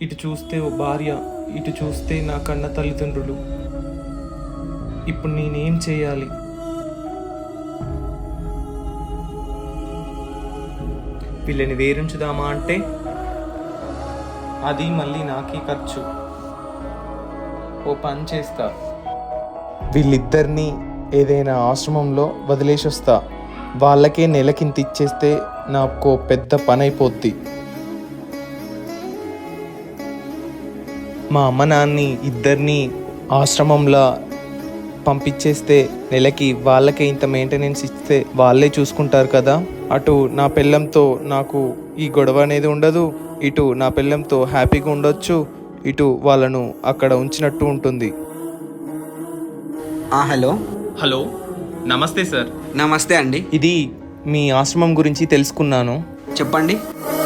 ఇటు చూస్తే ఓ భార్య, ఇటు చూస్తే నా కన్న తల్లిదండ్రులు. ఇప్పుడు నేనేం చేయాలి? వీళ్ళని వేరుంచుదామా అంటే అది మళ్ళీ నాకే ఖర్చు. ఓ పని చేస్తా, వీళ్ళిద్దరినీ ఏదైనా ఆశ్రమంలో వదిలేసి వస్తా. వాళ్ళకే నెలకింత ఇచ్చేస్తే నాకు పెద్ద పని అయిపోద్ది. మా అమ్మ నాన్ని ఇద్దరిని ఆశ్రమంలో పంపించేస్తే నెలకి వాళ్ళకే ఇంత మెయింటెనెన్స్ ఇస్తే వాళ్ళే చూసుకుంటారు కదా. అటు నా పెళ్ళంతో నాకు ఈ గొడవ అనేది ఉండదు, ఇటు నా పెళ్ళంతో హ్యాపీగా ఉండొచ్చు, ఇటు వాళ్ళను అక్కడ ఉంచినట్టు ఉంటుంది. హలో. హలో, నమస్తే సార్. నమస్తే అండి. ఇది మీ ఆశ్రమం గురించి తెలుసుకున్నాను. చెప్పండి.